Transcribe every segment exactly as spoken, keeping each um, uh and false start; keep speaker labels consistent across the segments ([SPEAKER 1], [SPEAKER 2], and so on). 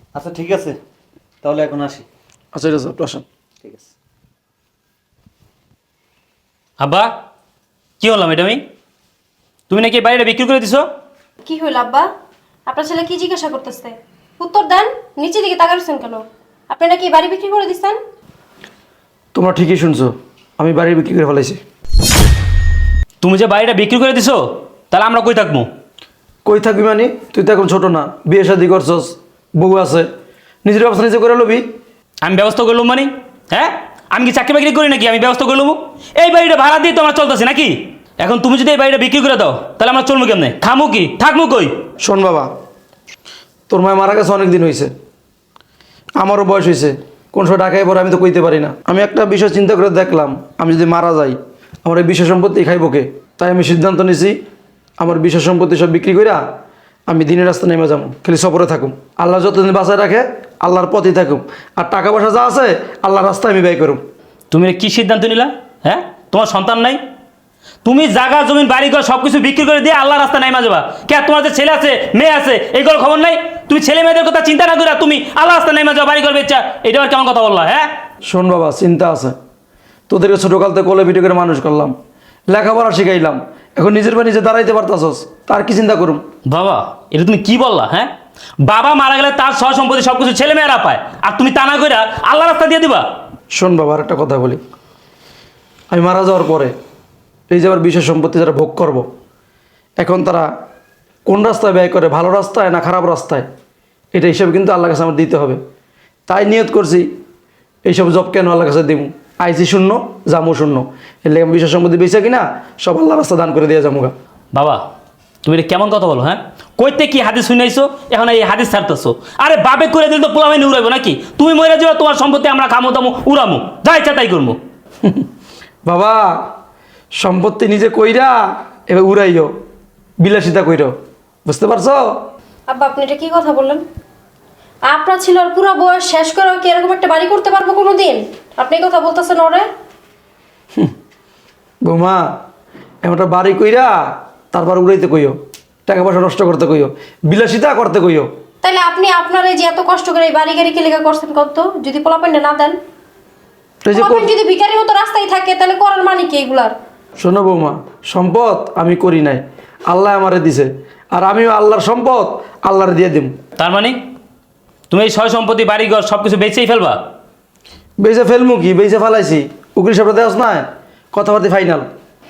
[SPEAKER 1] আচ্ছা ঠিক আছে, তাহলে এখন আসি।
[SPEAKER 2] আচ্ছা ঠিক আছে, একটু আসেন।
[SPEAKER 1] ঠিক আছে।
[SPEAKER 3] আব্বা, কি হলাম এটা আমি? তুমি নাকি এই বাড়িটা বিক্রি করে দিছো?
[SPEAKER 4] কি হইল আব্বা? আপনার ছেলে কি জিজ্ঞাসা করতেছে? উত্তর দেন। নিচে দিকে তাকাচ্ছেন কেন? আপনি নাকি বাড়ি বিক্রি করে দিচ্ছেন?
[SPEAKER 2] তোমরা ঠিকই শুনছো, আমি বাড়ি বিক্রি করে ফেলাইছি।
[SPEAKER 3] তুমি যে বাড়িটা বিক্রি করে দিছো, তাহলে আমরা কই থাকবো?
[SPEAKER 2] কই থাকবি মানে? তুই তো এখন ছোট না, বিয়ে শাদি করছস, বউ আছে, নিজের ব্যবস্থা নিজে করে লবি।
[SPEAKER 3] আমি ব্যবস্থা করলাম মানে? হ্যাঁ, আমি কি চাকরি বাকরি করি নাকি আমি ব্যবস্থা করলাম? এই বাড়িটা ভাড়া দিয়ে তো আমরা চলতেছি নাকি? এখন তুমি যদি এই বাড়িটা বিক্রি করে দাও, তাহলে আমরা চলবো কেমনে? খামু কি, থাকবো কই?
[SPEAKER 2] শোন বাবা, তোর মায় মারা গেছে অনেক দিন হয়েছে, আমারও বয়স হয়েছে, কোন সময় ঢাকায় পরে আমি তো কইতে পারি না। আমি একটা বিষয় চিন্তা করে দেখলাম, আমি যদি মারা যাই আমার এই বিষয় সম্পত্তি খাইব কে? তাই আমি সিদ্ধান্ত নিছি আমার বিষয় সম্পত্তি সব বিক্রি কইরা আমি দিনের রাস্তা নেমে যাবো, খালি সফরে থাকুম। আল্লাহ যতদিন বাঁচায় রাখে আল্লাহর পথেই থাকুম, আর টাকা পয়সা যা আছে আল্লাহর রাস্তায় আমি ব্যয় করুম।
[SPEAKER 3] তুমি কি সিদ্ধান্ত নিলা? হ্যাঁ, তোমার সন্তান নাই? তুমি জায়গা জমিন বাড়ি ঘর সব কিছু বিক্রি করে দিয়ে আল্লাহ রাস্তা নাই মাজবা কে? তোমার যে ছেলে আছে মেয়ে আছে এইগুলো খবর নাই? তুমি ছেলে মেয়েদের কথা চিন্তা না করে তুমি আল্লাহ রাস্তা নাই মাজবা বাড়ি ঘর বেচা, এটা আর কেমন কথা বললা? হ্যাঁ
[SPEAKER 2] শোন বাবা, চিন্তা আছে, তোদেরকে ছোটোকাল থেকে কোলে পিঠে করে মানুষ করলাম, লেখাপড়া শিখাইলাম, এখন নিজের পা নিজে দাঁড়াইতে পারতাছস, তার কি চিন্তা করুম?
[SPEAKER 3] বাবা, এটা তুমি কি বললা? হ্যাঁ, বাবা মারা গেলে তার সহ সম্পত্তি সবকিছু ছেলে মেয়েরা পায়, আর তুমি তা না করে আল্লাহ রাস্তা দিয়ে দিবা?
[SPEAKER 2] শোন বাবা, আর একটা কথা বলি, আমি মারা যাওয়ার পরে এই যে আমার বিশেষ সম্পত্তি যারা ভোগ করব, এখন তারা কোন রাস্তায় ব্যয় করে, ভালো রাস্তায় না খারাপ রাস্তায়, এটা হিসাবে কিন্তু আল্লাহর কাছে আমার দিতে হবে। তাই নিয়ত করছি এইসব জব কেন আল্লাহর কাছে দিব, আইসি শূন্য জামু শূন্য, এর লেগে আমি বিশেষ সম্পত্তি বেঁচে কিনা সব আল্লাহ রাস্তা দান করে দিয়ে যামুগা।
[SPEAKER 3] বাবা, তুমি এটা কেমন কথা বলো? হ্যাঁ, কইতে কি হাদিস শুনাইছো, এখন এই হাদিস ছাড়তেছো? আরে বাবে করে দিলে তো পোলামাইনি উড়াইবো নাকি? তুমি মরে যাও, তোমার সম্পত্তি আমরা খামো দামো উড়ামো, যা ইচ্ছা তাই করবো।
[SPEAKER 2] বাবা, সম্পত্তি নিজে কইরা এবার উড়াইও, বিলাসিতা কইর, বুঝতে পারছো?
[SPEAKER 4] আব্বা, আপনি এটা কি কথা বললেন? আপনার ছিল আর পুরো বয়স শেষ করে কি এরকম একটা বাড়ি করতে পারবো কোনো দিন? আপনি এই কথা বলতেছেন ওরে?
[SPEAKER 2] বৌমা, এমনটা বাড়ি কইরা তারপর উড়াইতে কইও, টাকা পয়সা নষ্ট করতে কইও, বিলাসিতা করতে কইও।
[SPEAKER 4] তাইলে আপনি আপনার এই যে এত কষ্ট করে এই বাড়ি গাড়ি কি লেখা করছেন কত? যদি পোলাপাইনটা না দেন,
[SPEAKER 2] এই যে
[SPEAKER 4] পোলাপাইন যদি ভিখারির মতো রাস্তায় থাকে, তাহলে করার মানে কি এগুলার?
[SPEAKER 2] শোনো বৌমা, সম্পদ আমি করি নাই, আল্লাহ আমারে দিছে, আর আমিও আল্লাহর সম্পদ আল্লাহর দিয়ে দিম।
[SPEAKER 3] তার মানে তুমি এই সয় সম্পত্তি বাড়ি ঘর সব কিছু বেচেই ফেলবা?
[SPEAKER 2] বেঁচে ফেলমু কি, বেঁচে ফেলাইছি, উকিল সাহেব দেওয়াস না, কথাবার্তা ফাইনাল।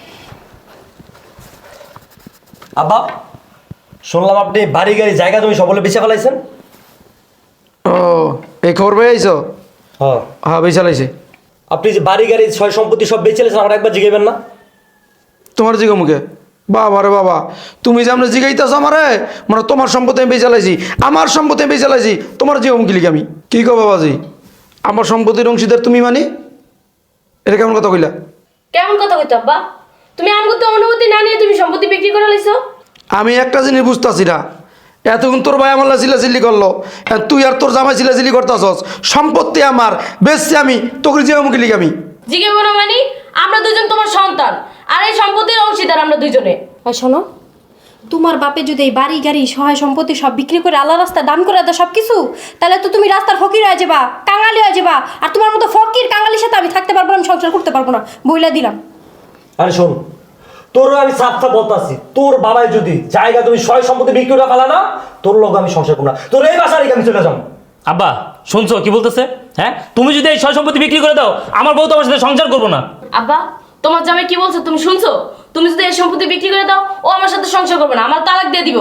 [SPEAKER 1] আব্বা, শুনলাম আপনি বাড়ি গাড়ি জায়গা জমি সকলে বেচে ফেলাইছেন।
[SPEAKER 2] ও, এই খবর পেয়ে আইছো?
[SPEAKER 1] হ্যাঁ।
[SPEAKER 2] হ্যাঁ, বেঁচে লাইছি।
[SPEAKER 1] আপনি যে বাড়ি গাড়ি ছয় সম্পত্তি সব বেচে ফেলেছেন, আমার একবার জিগাইবেন না?
[SPEAKER 2] তোমার জিগো মুখে বাবা রে বাবা, তুমি যে আমরা জিগাইতেছো আমারে, মানে তোমার সম্পত্তি আমি বেঁচে লাইছি, আমার সম্পত্তি আমি বেঁচে লাইছি, তোমার জিগো মুখি লিখি আমি কি কো বাবাজি? আমার সম্পত্তির অংশীদার তুমি মানি? এটা কেমন কথা কইলা?
[SPEAKER 5] কেমন কথা কইতো আব্বা? তুমি আমগো তো অনুমতি না নিয়ে তুমি সম্পত্তি বিক্রি করে লাইছো?
[SPEAKER 2] আমি একটা জিনিস বুঝতেছি না, এতক্ষণ তোর ভাই আমার চিল্লাচিল্লি করলো, আর তুই আর তোর জামাই চিল্লাচিল্লি করতেছস, সম্পত্তি আমার বেচছি আমি, তোকে জিগো মুখি লিখি আমি।
[SPEAKER 5] জিজ্ঞেস করো মানে আমরা দুজন তোমার সন্তান, আর এই সম্পত্তির অংশীদার আমরা দুইজনে।
[SPEAKER 4] আর শোনো, তোমার বাপে যদি এই বাড়ি গাড়ি সহায় সম্পত্তি সব বিক্রি করে আল্লাহ রাস্তা দান করে দেয় সব কিছু, তাহলে তো তুমি রাস্তার ফকির হয়ে যাবা, কাঙালি হয়ে যাবা। আর তোমার মতো ফকির কাঙালির সাথে আমি থাকতে পারবো না, আমি সংসার করতে পারবো না, বইলা দিলাম।
[SPEAKER 1] আরে শোন, তোরও আমি সাফ সাফ বলতাছি, তোর বাবাই যদি জায়গা তুমি সয় সম্পত্তি বিক্রি করে ফেলা না, তোর লোক আমি সংসার করবো না, তোর এই বাসা রেখে আমি চলে যাবো।
[SPEAKER 3] আব্বা শুনছো কি বলতেছে? হ্যাঁ, তুমি যদি এই সয় সম্পত্তি বিক্রি করে দাও, আমার বউ তোমার সাথে সংসার করবো না।
[SPEAKER 5] আব্বা, তোমার জামাই কি বলছো তুমি শুনছো? তুমি যদি এই সম্পত্তি বিক্রি করে দাও, ও আমার সাথে সংসার করবে না, আমার তালাক দিয়ে দিব।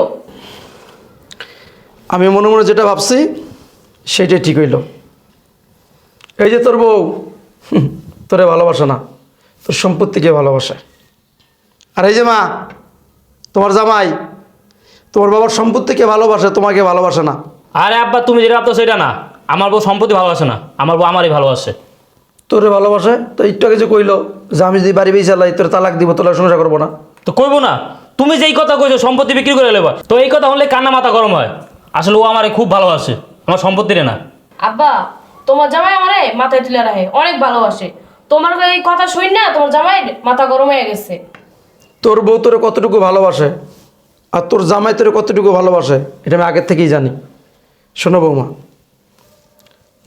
[SPEAKER 2] আমি মনে মনে যেটা ভাবছি সেটাই ঠিক হইল। এই যে তোর বউ হুম, তোরে ভালোবাসে না, তোর সম্পত্তিকে ভালোবাসে। আর এই যে মা, তোমার জামাই তোমার বাবার সম্পত্তিকে ভালোবাসে, তোমাকে ভালোবাসে না।
[SPEAKER 3] আরে আব্বা, তুমি যেটা ভাবতো সেটা না, আমার বউ সম্পত্তি ভালোবাসে না, আমার বউ আমারই ভালোবাসে।
[SPEAKER 2] তোরে ভালোবাসে তো একটু আগে যে কইলো যে আমি যদি বাড়ি বেয়ে চালাই তোর তালাক দিব, তোর সংসার করবো না।
[SPEAKER 3] তো কইবো না? তুমি যেই কথা কইছো সম্পত্তি বিক্রি করে নেবা, তো এই কথা হলে কান্না মাথা গরম হয়। আসলে ও আমারে খুব ভালোবাসে, আমার সম্পত্তিরে না।
[SPEAKER 5] আব্বা, তোমার জামাই আমারে মাথায় তুলে রাখে, অনেক ভালোবাসে। তোমার এই কথা শুন না তোমার জামাই মাথা গরম হয়ে গেছে।
[SPEAKER 2] তোর বউ তোরে কতটুকু ভালোবাসে আর তোর জামাই তোরে কতটুকু ভালোবাসে এটা আমি আগের থেকেই জানি। শোনো বৌমা,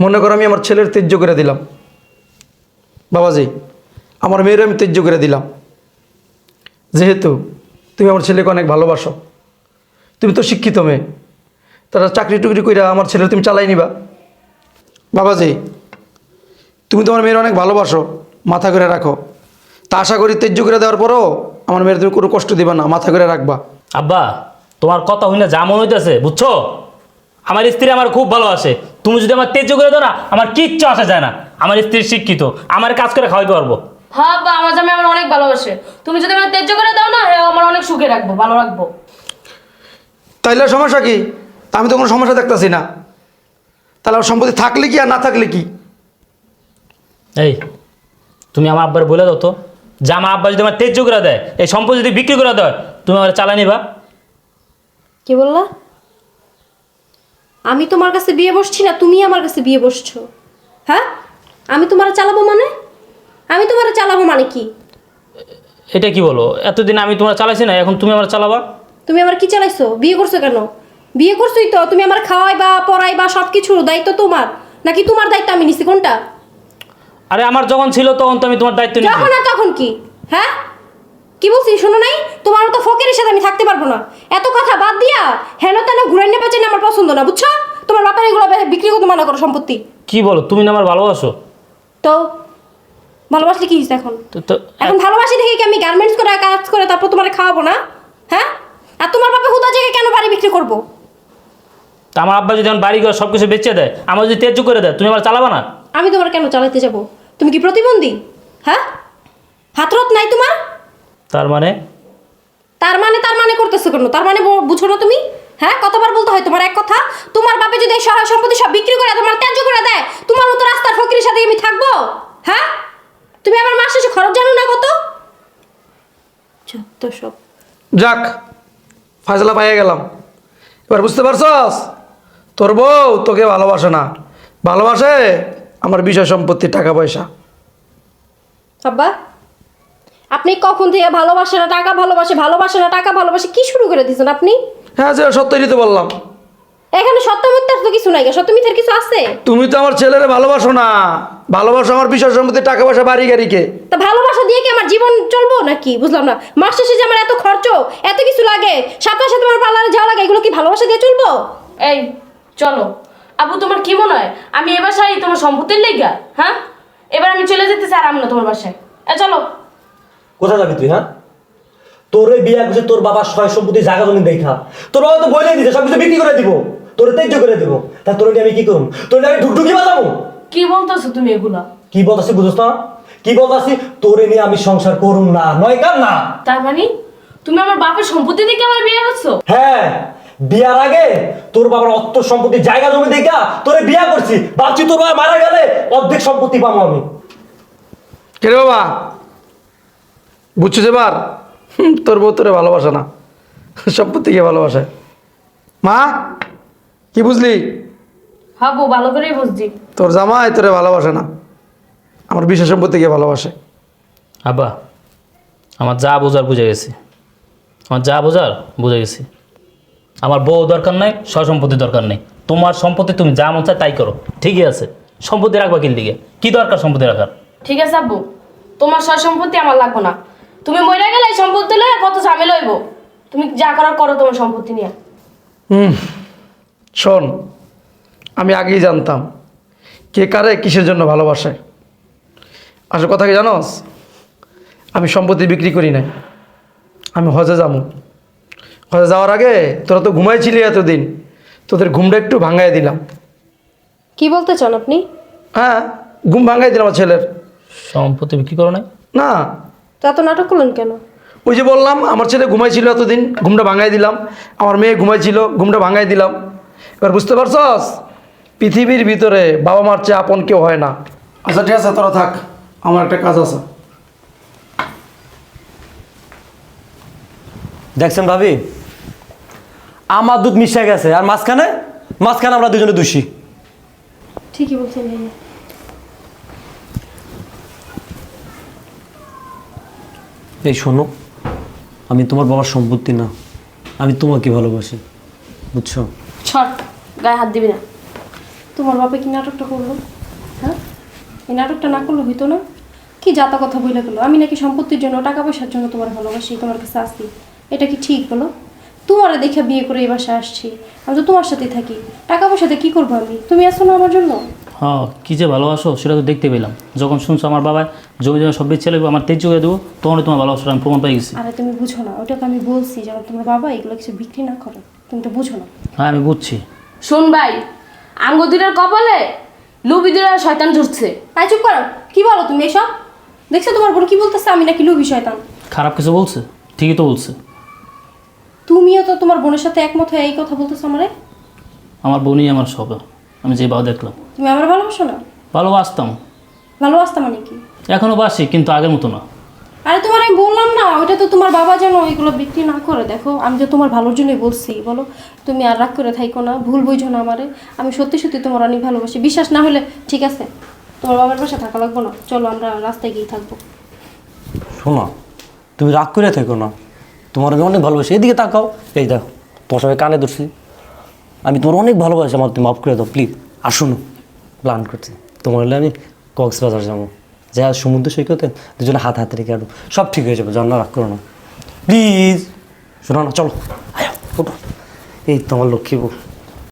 [SPEAKER 2] মনে করো আমি আমার ছেলের ত্যায্য করে দিলাম, বাবাজি আমার মেয়ের আমি ত্যায্য করে দিলাম, যেহেতু তুমি আমার ছেলেকে অনেক ভালোবাসো, তুমি তো শিক্ষিত মেয়ে, তারা চাকরি টুকরি করে আমার ছেলে তুমি চালাই নিবা। বাবাজি তুমি তোমার মেয়ের অনেক ভালোবাসো, মাথা করে রাখো। তা আশা করি ত্যায্য করে দেওয়ার পরও আমার মেয়ের তুমি কোনো কষ্ট দিবা না, মাথা করে রাখবা।
[SPEAKER 3] আব্বা তোমার কথা হই না যা মনে হইতেছে বুঝছো, আমার স্ত্রী আমার খুব ভালোবাসে, তুমি যদি আমার তেজ করে দাও না আমার কিচ্ছু আসা যায় না। আমার স্ত্রী শিক্ষিত, আমার কাজ করে খাওয়াইতে পারবো।
[SPEAKER 5] হ্যাঁ আব্বা, আমার জামাই আমার অনেক ভালোবাসে, তুমি যদি আমার ত্যায্য করে দাও না হ্যাঁ আমার অনেক সুখে রাখবো, ভালো রাখবো।
[SPEAKER 2] তাইলে সমস্যা কি? তা আমি তো কোনো সমস্যা দেখতেছি না। তাহলে আমার সম্পত্তি থাকলে কি আর না থাকলে কি?
[SPEAKER 3] এই তুমি আমার আব্বার বলে দাও তো, যে আমার আব্বা যদি আমার তেজ করে দেয়, এই সম্পত্তি যদি বিক্রি করে দেয়, তুমি আমার চালা নিবা?
[SPEAKER 4] কি বললা? আমি তোমার কাছে বিয়ে বসছি না তুমি আমার কাছে বিয়ে বসছো? হ্যাঁ, আমি তোমার চালাবো মানে? আমি তোমার চালাবো মানে কি?
[SPEAKER 3] এটা কি বলো? এতদিন আমি তোমার চালাইছি না, এখন তুমি আমার চালাবা?
[SPEAKER 4] তুমি আমার কি চালাইছো? বিয়ে করছো কেন? বিয়ে করছোই তো, তুমি আমার খাওয়াইবা পড়াইবা সব কিছুর দায়িত্ব তোমার, নাকি তোমার দায়িত্ব আমি নিছি? কোনটা?
[SPEAKER 3] আরে আমার যখন ছিল তখন তো আমি তোমার দায়িত্ব নিয়েছি।
[SPEAKER 4] যখন আর তখন কি? হ্যাঁ, কি বলছি শোনো নাই? তোমার মতো ফকিরের সাথে আমি থাকতে পারবো না। এত কথা বাদ দিয়া হেন তেন ঘুরে নিয়ে পেঁচে আমার পছন্দ না, বুঝছো? তোমার বাপের এগুলো বিক্রি করতে মানা করো সম্পত্তি।
[SPEAKER 3] কি বলো, তুমি না আমার ভালোবাসো?
[SPEAKER 4] তো ভালোবাসলে কি হয়েছে এখন?
[SPEAKER 3] তো তো
[SPEAKER 4] এখন ভালোবাসি দেখে কি আমি গার্মেন্টস করে কাজ করে তারপর তোমার খাওয়াবো না? হ্যাঁ, আর তোমার বাপে হুদা জায়গায় কেন বাড়ি বিক্রি করবো?
[SPEAKER 3] তা আমার আব্বা যদি আমার বাড়ি ঘর সব কিছু বেচে দেয়, আমার যদি তেজ করে দেয়, তুমি আমার চালাবা না?
[SPEAKER 4] আমি তোমার কেন চালাতে যাব? তুমি কি প্রতিবন্ধী? হ্যাঁ, হাতরত নাই তোমার?
[SPEAKER 3] তার মানে
[SPEAKER 4] তার মানে তার মানে করতেছো কেন? তার মানে বু- বুঝো না তুমি? হ্যাঁ, কতবার বলতে হয় তোমার এক কথা? তোমার বাপে যদি এই সহায় সম্পত্তি সব বিক্রি করে তোমার ত্যায্য করে দেয়, তোমার মতো রাস্তার ফকিরের সাথে আমি থাকবো? হ্যাঁ, তুমি আমার মাস শেষে খরচ জানো না কত? যত সব।
[SPEAKER 2] যাক, ফায়সালা পাইয়ে গেলাম। এবার বুঝতে পারছস, তোর বউ তোকে ভালোবাসে না, ভালোবাসে আমার বিষয় সম্পত্তি, টাকা পয়সা।
[SPEAKER 4] আব্বা, আপনি কখন থেকে ভালোবাসে না টাকা ভালোবাসে, ভালোবাসে না টাকা ভালোবাসে কি শুরু করে দিয়েছেন আপনি?
[SPEAKER 2] হ্যাঁ, যে সত্যই তো বললাম।
[SPEAKER 4] এখানে সত্য মিথ্যার তো কিছু নাই, সত্য মিথ্যার কিছু আছে?
[SPEAKER 2] তুমি তো আমার ছেলেরে ভালোবাসো না, ভালোবাসো আমার বিষয় সম্পত্তি, টাকা পয়সা, বাড়ি গাড়িকে।
[SPEAKER 4] তা ভালোবাসা দিয়ে কি আমার জীবন চলবো নাকি? বুঝলাম না। মাস শেষে যে আমার এত খরচ, এত কিছু লাগে, সাথে সাথে আমার পার্লারে যাওয়া লাগে, এগুলো কি ভালোবাসা দিয়ে চলবো?
[SPEAKER 5] এই চলো। আবু তোমার কি মনে হয় আমি এ বাসায় তোমার সম্পত্তির লেগা? হ্যাঁ, এবার আমি চলে যেতেছি আর আমি না তোমার বাসায়। এ চলো।
[SPEAKER 1] কোথায় যাবি তুই? হ্যাঁ, তোর এই বিয়া করছে তোর বাবার সয় সম্পত্তি জায়গা জমি দেখা, তোর বাবা তো বলে দিছে সবকিছু বিক্রি করে দিব, তোর তেজ্য করে দিব। তা তোর নিয়ে আমি কি করুম? তোর নিয়ে আমি ঢুকঢুকি বাজাবো?
[SPEAKER 5] কি বলতেছো তুমি এগুলা?
[SPEAKER 1] কি বলতাছি বুঝছ না? কি বলতাছি? তোরে নিয়ে আমি সংসার করুম না, নয় কাম না।
[SPEAKER 5] তার মানে তুমি আমার বাপের সম্পত্তি দেখে আমার বিয়ে করছো?
[SPEAKER 1] হ্যাঁ, বিয়ার আগে তোর বাবার অর্থ সম্পত্তি জায়গা জমি দেখা তোরে বিয়া করছি, ভাবছি তোর বাবা মারা গেলে অর্ধেক সম্পত্তি পাবো আমি।
[SPEAKER 2] কে রে বাবা, বুঝছিস এবার? হুম, তোর বউ তোরে ভালোবাসে না, সম্পত্তিকে ভালোবাসে। মা, কি বুঝলি?
[SPEAKER 5] হ্যাঁ বউ, ভালো করেই বুঝছি।
[SPEAKER 2] তোর জামাই তোরে ভালোবাসে না, আমার বিষয় সম্পত্তিকে ভালোবাসে।
[SPEAKER 3] আব্বা আমার যা বোঝার বুঝে গেছি, আমার যা বোঝার বুঝে গেছি। আমার বউ দরকার নাই, সয় সম্পত্তি দরকার নেই। তোমার সম্পত্তি তুমি যা মন চায় তাই করো, ঠিকই আছে। সম্পত্তি রাখবা কিল দিকে, কি দরকার সম্পত্তি রাখার?
[SPEAKER 5] ঠিক আছে আব্বু, তোমার সয় সম্পত্তি আমার লাগবে না। তুমি মরে গেলে এই সম্পত্তি লয়ে কত ঝামেলা হইব। তুমি যা করার করো তোমার সম্পত্তি নিয়ে।
[SPEAKER 2] হুম, শোন, আমি আগেই জানতাম কে কারে কিসের জন্য ভালোবাসে। আসল কথা কি জানোস? আমি সম্পত্তি বিক্রি করি নাই, আমি হজে যাবো। হজে যাওয়ার আগে তোরা তো ঘুমাইছিলি এতদিন, তোদের ঘুমটা একটু ভাঙাই দিলাম।
[SPEAKER 4] কি বলতে চান আপনি?
[SPEAKER 2] হ্যাঁ, ঘুম ভাঙাই দিলাম আমার ছেলের।
[SPEAKER 3] সম্পত্তি বিক্রি করো নাই?
[SPEAKER 2] না,
[SPEAKER 4] তা তো নাটক করলেন কেন?
[SPEAKER 2] ওই যে বললাম আমার ছেলে ঘুমাইছিল এতদিন, ঘুমটা ভাঙাই দিলাম। আমার মেয়ে ঘুমাইছিল, ঘুমটা ভাঙাই দিলাম। এবার বুঝতে পারছস, পৃথিবীর ভিতরে বাবা মার চেয়ে আপন কেউ হয় না। আচ্ছা ঠিক আছে, তোরা থাক, আমার একটা কাজ আছে।
[SPEAKER 1] দেখছেন ভাবি, আমার দুধ মিশে গেছে, আর মাঝখানে মাঝখানে আমরা দুজনে দোষী।
[SPEAKER 4] ঠিকই বলছেন ভাইয়া।
[SPEAKER 1] এই শোনো, আমি তোমার বাবার সম্পত্তি না, আমি তোমাকে ভালোবাসি, বুঝছো?
[SPEAKER 5] ছট, গায়ে হাত দিবি না।
[SPEAKER 4] তোমার বাবা কি নাটকটা করলো? হ্যাঁ, এই নাটকটা না করলে হইতো না? কি জাতা কথা বলে গেলো, আমি নাকি সম্পত্তির জন্য টাকা পয়সার জন্য তোমার ভালোবাসি, তোমার কাছে আসি। এটা কি ঠিক বলো? তোমারে দেখে বিয়ে করে এই বাসায় আসছি, আমি তো তোমার সাথেই থাকি। টাকা পয়সাতে কি করবো আমি? তুমি আসো না আমার জন্য?
[SPEAKER 3] হ্যাঁ, কী যে ভালোবাসো সেটা তো দেখতে পেলাম। যখন শুনছো আমার বাবা জমি জমা সব বেচে লাগবে, আমার তেজ করে দেবো, তখন তোমার ভালোবাসাটা আমি প্রমাণ পাই গেছি।
[SPEAKER 4] আরে তুমি বুঝো না, ওটা তো আমি বলছি যেন তোমার বাবা এগুলো কিছু বিক্রি না করে। তুমি তো বুঝো না।
[SPEAKER 3] হ্যাঁ আমি বুঝছি।
[SPEAKER 5] শোন ভাই, আঙ্গুদিরার কপালে লুবিদিরার শয়তান জুটছে।
[SPEAKER 4] আই চুপ করো, কি বলো তুমি এসব? দেখছো তোমার বোন কি বলতেছে, আমি নাকি লুবি শয়তান?
[SPEAKER 3] খারাপ কিছু বলছে? ঠিকই তো বলছে।
[SPEAKER 4] তুমিও তো তোমার বোনের সাথে একমত হয়ে এই কথা বলতেছো আমারে।
[SPEAKER 3] আমার বোনই আমার সব, আমি যে বাবা দেখলাম।
[SPEAKER 4] তুমি আমার ভালোবাসো না?
[SPEAKER 3] ভালোবাসতাম,
[SPEAKER 4] ভালোবাসতা মানে কি?
[SPEAKER 3] এখনও বাসি, কিন্তু আগের মতো না।
[SPEAKER 4] আরে তোমার আমি বললাম না, ওইটা তো তোমার বাবা যেন এগুলো বিক্রি না করে। দেখো আমি তো তোমার ভালোর জন্যই বলছি, বলো তুমি আর রাগ করে থাইকো না, ভুল বুঝো না আমারে। আমি সত্যি সত্যি তোমার অনেক ভালোবাসি। বিশ্বাস না হলে ঠিক আছে, তোমার বাবার পাশে থাকা লাগবো না, চলো আমরা রাস্তায় গিয়ে থাকবো।
[SPEAKER 1] শোনো, তুমি রাগ করে থেকো না, তোমার আমি অনেক ভালোবাসি। এদিকে তাকাও, এই দেখো তোমার সবাই কানে ধরছি, আমি তোমার অনেক ভালোবাসি, আমার তুমি মাফ করে দাও প্লিজ। আর শোনো, প্ল্যান করছি তোমার হলে আমি কক্সবাজার যাবো, যা সমুদ্র সৈকতে দুজনে হাত হাতে রেখে আরো সব ঠিক হয়ে যাবে, জানা রাগ করো না প্লিজ। শোনো না, চলো আয় ওঠো, এই তোমার লক্ষ্মী বউ।